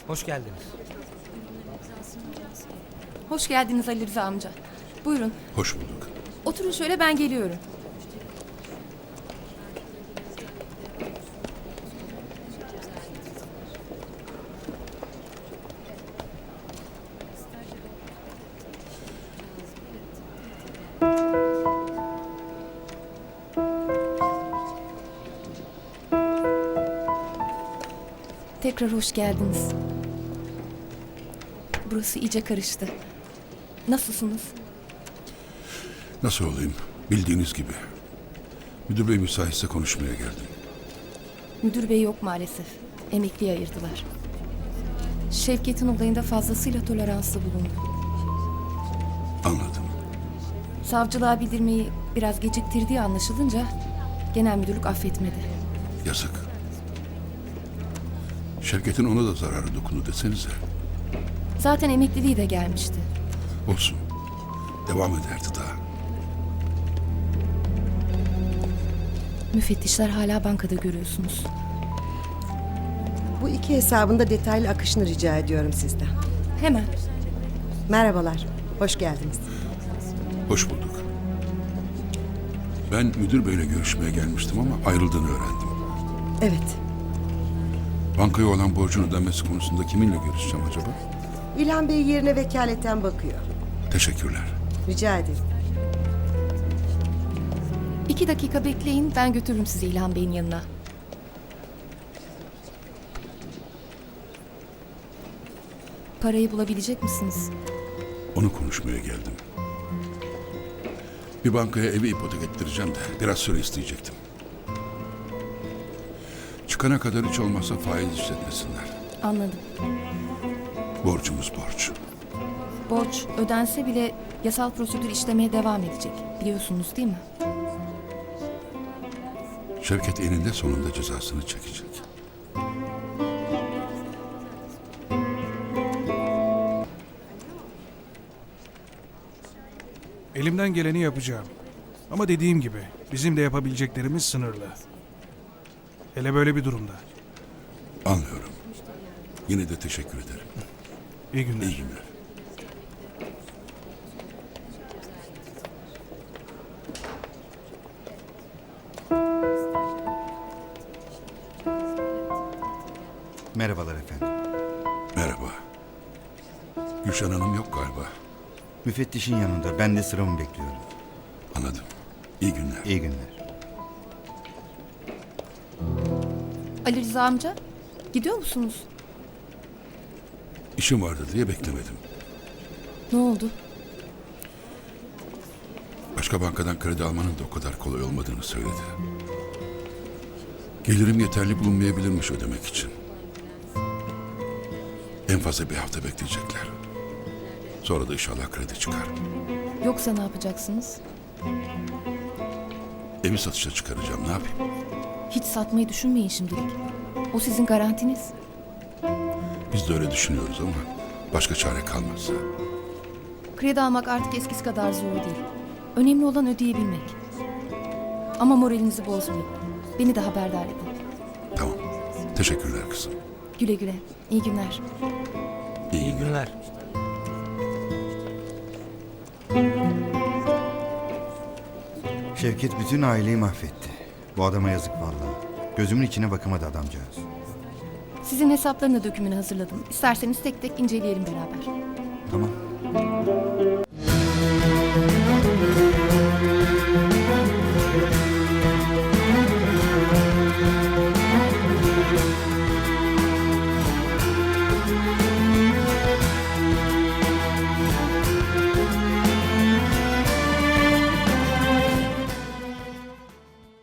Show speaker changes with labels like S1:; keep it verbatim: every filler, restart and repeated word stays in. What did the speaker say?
S1: Hoş geldiniz.
S2: Hoş geldiniz Ali Rıza amca. Buyurun.
S3: Hoş bulduk.
S2: Oturun şöyle, ben geliyorum. Tekrar hoş geldiniz. Burası iyice karıştı. Nasılsınız?
S3: Nasıl olayım? Bildiğiniz gibi. Müdür bey müsaitse konuşmaya geldim.
S2: Müdür bey yok maalesef. Emekliye ayırdılar. Şevket'in olayında fazlasıyla toleranslı bulundu.
S3: Anladım.
S2: Savcılığa bildirmeyi biraz geciktirdiği anlaşılınca genel müdürlük affetmedi.
S3: Yazık. Şevket'in ona da zararı dokundu desenize.
S2: Zaten emekliliği de gelmişti.
S3: Olsun. Devam ederdi daha.
S2: Müfettişler hala bankada görüyorsunuz.
S4: Bu iki hesabın da detaylı akışını rica ediyorum sizden.
S2: Hemen.
S4: Merhabalar, hoş geldiniz.
S3: Hoş bulduk. Ben müdür beyle görüşmeye gelmiştim ama ayrıldığını öğrendim.
S4: Evet,
S3: Bankaya olan borcunu ödenmesi konusunda kiminle görüşeceğim acaba?
S4: İlhan Bey yerine vekaleten bakıyor.
S3: Teşekkürler.
S4: Rica ederim.
S2: İki dakika bekleyin, ben götürürüm sizi İlhan Bey'in yanına. Parayı bulabilecek misiniz?
S3: Onu konuşmaya geldim. Bir bankaya evi ipotek ettireceğim de biraz süre isteyecektim. Çıkana kadar hiç olmazsa faiz işletmesinler.
S2: Anladım.
S3: Borcumuz borç.
S2: Borç ödense bile yasal prosedür işlemeye devam edecek. Biliyorsunuz değil mi?
S3: Şevket eninde sonunda cezasını çekecek.
S5: Elimden geleni yapacağım. Ama dediğim gibi bizim de yapabileceklerimiz sınırlı. Hele böyle bir durumda.
S3: Anlıyorum. Yine de teşekkür ederim.
S5: İyi günler.
S3: İyi günler.
S6: Merhabalar efendim.
S3: Merhaba. Gülşen Hanım yok galiba.
S6: Müfettişin yanında. Ben de sıramı bekliyorum.
S3: Anladım. İyi günler.
S6: İyi günler.
S2: Ali Rıza amca, gidiyor musunuz?
S3: İşim vardı diye beklemedim.
S2: Ne oldu?
S3: Başka bankadan kredi almanın da o kadar kolay olmadığını söyledi. Gelirim yeterli bulunmayabilirmiş ödemek için. En fazla bir hafta bekleyecekler. Sonra da inşallah kredi çıkar.
S2: Yoksa ne yapacaksınız?
S3: Evi satışa çıkaracağım, ne yapayım?
S2: Hiç satmayı düşünmeyin şimdilik. O sizin garantiniz.
S3: Biz de öyle düşünüyoruz ama başka çare kalmazsa.
S2: Kredi almak artık eskisi kadar zor değil. Önemli olan ödeyebilmek. Ama moralinizi bozmayın. Beni de haberdar edin.
S3: Tamam. Teşekkürler kızım.
S2: Güle güle. İyi günler.
S3: İyi,
S1: İyi
S3: günler.
S1: günler.
S6: Şevket bütün aileyi mahvetti. Bu adama yazık vallahi. Gözümün içine bakamadı adamcağız.
S2: Sizin hesaplarını da dökümünü hazırladım. İsterseniz tek tek inceleyelim beraber.
S6: Tamam.